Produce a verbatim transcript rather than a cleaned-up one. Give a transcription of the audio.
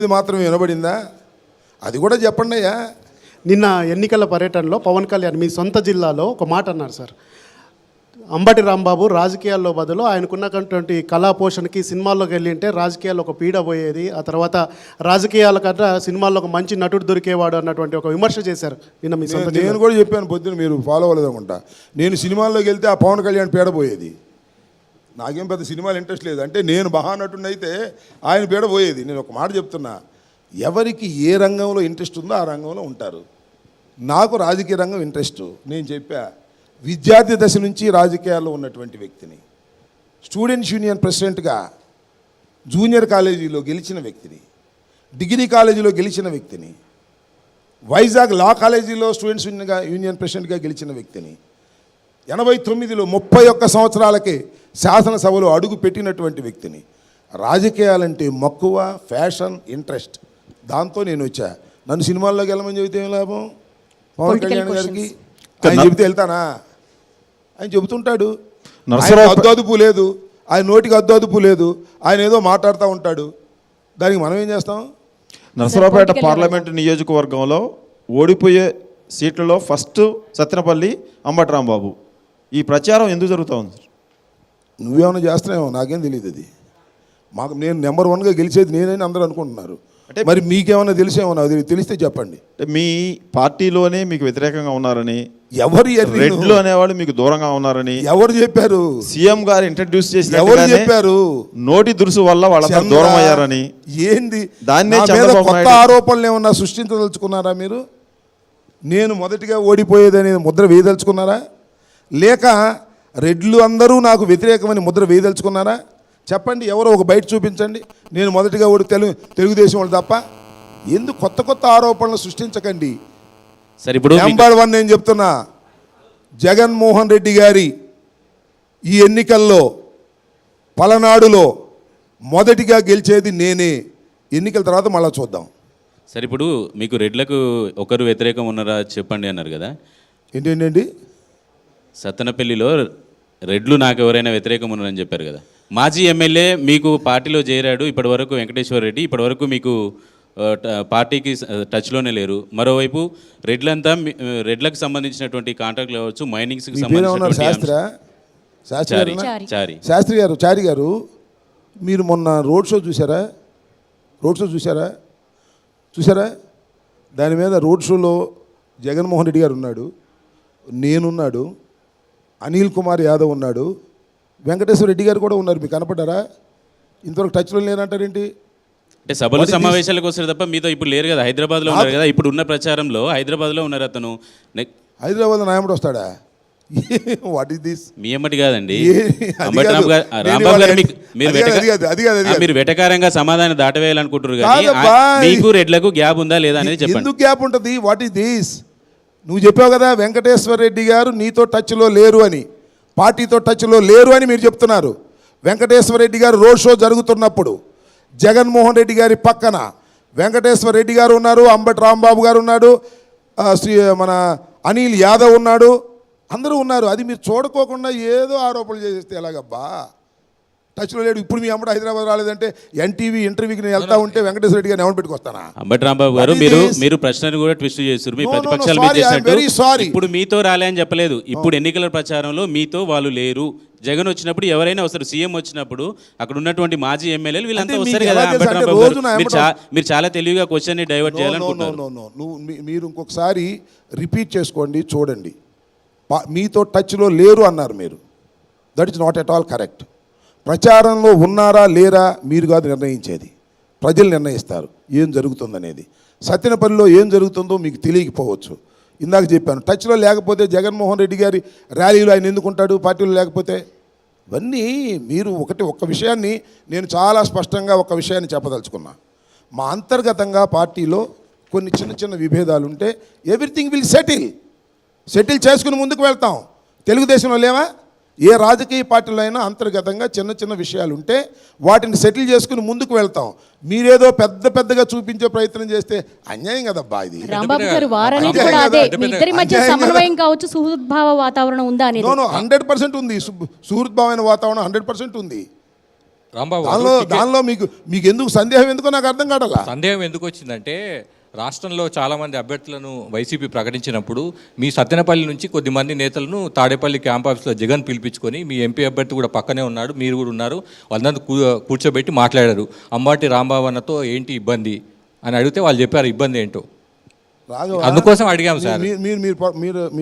ఇది మాత్రం వినబడిందా? అది కూడా చెప్పండి అయ్యా. నిన్న ఎన్నికల పర్యటనలో పవన్ కళ్యాణ్ మీ సొంత జిల్లాలో ఒక మాట అన్నారు సార్. అంబటి రాంబాబు రాజకీయాల్లో బదులు ఆయనకున్నటువంటి కళా పోషణకి సినిమాల్లోకి వెళ్ళి ఉంటే రాజకీయాల్లో ఒక పీడ పోయేది, ఆ తర్వాత రాజకీయాల కన్నా సినిమాల్లో ఒక మంచి నటుడు దొరికేవాడు అన్నటువంటి ఒక విమర్శ చేశారు నిన్న మీ సొంత. నేను కూడా చెప్పాను పొద్దున, మీరు ఫాలో అవ్వలేదనుకుంటా. నేను సినిమాల్లోకి వెళ్తే ఆ పవన్ కళ్యాణ్ పీడ పోయేది. నాకేం పెద్ద సినిమాలు ఇంట్రెస్ట్ లేదు. అంటే నేను మహానటుడిని అయితే ఆయన పీడ పోయేది. నేను ఒక మాట చెప్తున్నా, ఎవరికి ఏ రంగంలో ఇంట్రెస్ట్ ఉందో ఆ రంగంలో ఉంటారు. నాకు రాజకీయ రంగం ఇంట్రెస్ట్. నేను చెప్పా, విద్యార్థి దశ నుంచి రాజకీయాల్లో ఉన్నటువంటి వ్యక్తిని, స్టూడెంట్స్ యూనియన్ ప్రెసిడెంట్గా జూనియర్ కాలేజీలో గెలిచిన వ్యక్తిని, డిగ్రీ కాలేజీలో గెలిచిన వ్యక్తిని, వైజాగ్ లా కాలేజీలో స్టూడెంట్స్ యూనియన్గా యూనియన్ ప్రెసిడెంట్గా గెలిచిన వ్యక్తిని, ఎనభై తొమ్మిదిలో ముప్పై ఒక్క సంవత్సరాలకే శాసనసభలో అడుగు పెట్టినటువంటి వ్యక్తిని. రాజకీయాలంటే మక్కువ, ఫ్యాషన్, ఇంట్రెస్ట్, దాంతో నేను వచ్చా. నన్ను సినిమాల్లోకి వెళ్ళమని చెబితే ఏం లాభం? పవన్ కళ్యాణ్ గారికి ఆయన చెబితే వెళ్తానా? ఆయన చెబుతుంటాడు, అద్దు అదుపు లేదు, ఆయన నోటికి అద్దు అదుపు లేదు, ఆయన ఏదో మాట్లాడుతూ ఉంటాడు. దానికి మనం ఏం చేస్తాం? నరసరావుపేట పార్లమెంటు నియోజకవర్గంలో ఓడిపోయే సీట్లలో ఫస్ట్ సత్తెనపల్లి అంబటి రాంబాబు. ఈ ప్రచారం ఎందుకు జరుగుతూ ఉంది సార్? నువ్వేమైనా చేస్తున్నావేమో, నాకేం తెలియదు. అది మాకు నేను నెంబర్ వన్గా గెలిచేది నేనని అందరూ అనుకుంటున్నారు. అంటే మరి మీకేమైనా తెలిసేమో, అది తెలిస్తే చెప్పండి. అంటే మీ పార్టీలోనే మీకు వ్యతిరేకంగా ఉన్నారని, ఎవరు రెడ్లు అనేవాళ్ళు మీకు దూరంగా ఉన్నారని ఎవరు చెప్పారు? సీఎం గారు ఇంట్రడ్యూస్ చేసిన ఎవరు చెప్పారు? నోటి దురుసు వల్ల వాళ్ళందరూ దూరం అయ్యారని. ఏంది దాన్నే కొత్త ఆరోపణలు ఏమన్నా సృష్టించదలుచుకున్నారా మీరు? నేను మొదటిగా ఓడిపోయేదని ముద్ర వేయదలుచుకున్నారా? లేక రెడ్లు అందరూ నాకు వ్యతిరేకమని ముద్ర వేయదలుచుకున్నారా? చెప్పండి, ఎవరో ఒక బయట చూపించండి. నేను మొదటిగా ఓడి తెలుగు తెలుగుదేశం వాళ్ళు తప్ప. ఎందుకు కొత్త కొత్త ఆరోపణలు సృష్టించకండి. సరే, ఇప్పుడు నెంబర్ వన్ నేను చెప్తున్నా, జగన్మోహన్ రెడ్డి గారి ఈ ఎన్నికల్లో పలనాడులో మొదటిగా గెలిచేది నేనే. ఎన్నికల తర్వాత మళ్ళీ చూద్దాం. సరే, ఇప్పుడు మీకు రెడ్లకు ఒకరు వ్యతిరేకం ఉన్నారా చెప్పండి అన్నారు కదా. ఏంటండి? సత్తెనపల్లిలో రెడ్లు నాకు ఎవరైనా వ్యతిరేకం ఉన్నారని చెప్పారు కదా. మాజీ ఎమ్మెల్యే మీకు పార్టీలో చేరాడు ఇప్పటి వరకు, వెంకటేశ్వర రెడ్డి ఇప్పటి వరకు మీకు పార్టీకి టచ్లోనే లేరు. మరోవైపు రెడ్లంతా రెడ్లకు సంబంధించినటువంటి కాంట్రాక్ట్లు కావచ్చు, మైనింగ్స్కి సంబంధించినటువంటి శాస్త్రి గారు చారి గారు మీరు మొన్న రోడ్ షో చూసారా? రోడ్ షో చూసారా చూసారా దాని మీద రోడ్ షోలో జగన్మోహన్ రెడ్డి గారు ఉన్నాడు, నేనున్నాడు, అనిల్ కుమార్ యాదవ్ ఉన్నాడు, వెంకటేశ్వర రెడ్డి గారు కూడా ఉన్నారు. మీకు కనపడ్డారా? ఇంతవరకు టచ్లో లేనంటారేంటి? అంటే సభలు సమావేశాలకు వస్తారు తప్ప మీతో ఇప్పుడు లేరు కదా. హైదరాబాద్లో ఉన్నారు కదా. ఇప్పుడు ఉన్న ప్రచారంలో హైదరాబాద్లో ఉన్నారు అతను. హైదరాబాద్లో నాయముడు వస్తాడా? What is this? మీ ఎమ్మటి కాదండి, రాంబాబు గారు మీరు వెటకారంగా సమాధానం దాటవేయాలనుకుంటారు కానీ మీకు రెడ్లకు గ్యాప్ ఉందా లేదా అనేది చెప్పండి. ఎందుకు గ్యాప్ ఉంటుంది? What is this? నువ్వు చెప్పావు కదా వెంకటేశ్వర రెడ్డి గారు నీతో టచ్లో లేరు అని, పార్టీతో టచ్లో లేరు అని మీరు చెప్తున్నారు. వెంకటేశ్వర రెడ్డి గారు రోడ్ షో జరుగుతున్నప్పుడు జగన్మోహన్ రెడ్డి గారి పక్కన వెంకటేశ్వర రెడ్డి గారు ఉన్నారు, అంబటి రాంబాబు గారు ఉన్నాడు, శ్రీ మన అనిల్ యాదవ్ ఉన్నాడు, అందరూ ఉన్నారు. అది మీరు చూడుకోకుండా ఏదో ఆరోపణలు చేసేస్తే ఎలాగబ్బా? టచ్లో లేడు. ఇప్పుడు మీ అమ్మడు హైదరాబాద్ రాలేదంటే ఎన్టీవీ ఇంటర్వ్యూకి నేను వెళ్తా ఉంటే వెంకటేశ్వర రెడ్డి గారిని ఎవరు పెట్టుకొస్తానా? అంబటి రాంబాబు గారు మీరు మీరు ప్రశ్నను కూడా ట్విస్ట్ చేస్తారు. మీ ప్రతిపక్షాలు మీరు చేసినట్టు ఇప్పుడు మీతో రాలే అని చెప్పలేదు. ఇప్పుడు ఎన్నికల ప్రచారంలో మీతో వాళ్ళు లేరు. జగన్ వచ్చినప్పుడు ఎవరైనా వస్తారు, సీఎం వచ్చినప్పుడు అక్కడ ఉన్నటువంటి మాజీ ఎమ్మెల్యేలు వీళ్ళంతా వస్తారు కదా. అంబటి రాంబాబు గారు మీరు చాలా తెలివిగా క్వశ్చన్ ని డైవర్ట్ చేయాలనుకుంటున్నారు. నువ్వు మీరు ఇంకొకసారి రిపీట్ చేసుకోండి, చూడండి. మీతో టచ్లో లేరు అన్నారు మీరు. That is not at all correct. ప్రచారంలో ఉన్నారా లేరా మీరు కాదు నిర్ణయించేది, ప్రజలు నిర్ణయిస్తారు ఏం జరుగుతుందనేది. సత్తెనపల్లిలో ఏం జరుగుతుందో మీకు తెలియకపోవచ్చు. ఇందాక చెప్పాను, టచ్లో లేకపోతే జగన్మోహన్ రెడ్డి గారి ర్యాలీలో ఆయన ఎందుకుంటాడు పార్టీలో లేకపోతే? ఇవన్నీ మీరు ఒకటి ఒక్క విషయాన్ని నేను చాలా స్పష్టంగా ఒక విషయాన్ని చెప్పదలుచుకున్నా. మా అంతర్గతంగా పార్టీలో కొన్ని చిన్న చిన్న విభేదాలు ఉంటే ఎవ్రీథింగ్ విల్ సెటిల్ సెటిల్ చేసుకుని ముందుకు వెళ్తాం. తెలుగుదేశంలో లేవా? ఏ రాజకీయ పార్టీలో అయినా అంతర్గతంగా చిన్న చిన్న విషయాలు ఉంటే వాటిని సెటిల్ చేసుకుని ముందుకు వెళ్తాం. మీరేదో పెద్ద పెద్దగా చూపించే ప్రయత్నం చేస్తే అన్యాయం కదబ్బా. ఇది హండ్రెడ్ పర్సెంట్ ఉంది, సుహృద్భావమైన వాతావరణం హండ్రెడ్ పర్సెంట్ ఉంది. రాంబాబు దానిలో గారు, టికెట్ దానిలో మీకు మీకు ఎందుకు సందేహం ఎందుకో నాకు అర్థం కావట్లా. సందేహం ఎందుకు వచ్చిందంటే రాష్ట్రంలో చాలామంది అభ్యర్థులను వైసీపీ ప్రకటించినప్పుడు మీ సత్తెనపల్లి నుంచి కొద్దిమంది నేతలను తాడేపల్లి క్యాంప్ ఆఫీస్లో జగన్ పిలిపించుకొని మీ ఎంపీ అభ్యర్థి కూడా పక్కనే ఉన్నాడు, మీరు కూడా ఉన్నారు, వాళ్ళందరూ కూ కూర్చోబెట్టి మాట్లాడారు. అంబాటి రాంబాబు అన్నతో ఏంటి ఇబ్బంది అని అడిగితే వాళ్ళు చెప్పారు ఇబ్బంది ఏంటో. రాఘవ, అందుకోసం అడిగాం సార్. మీరు మీరు మీరు మీరు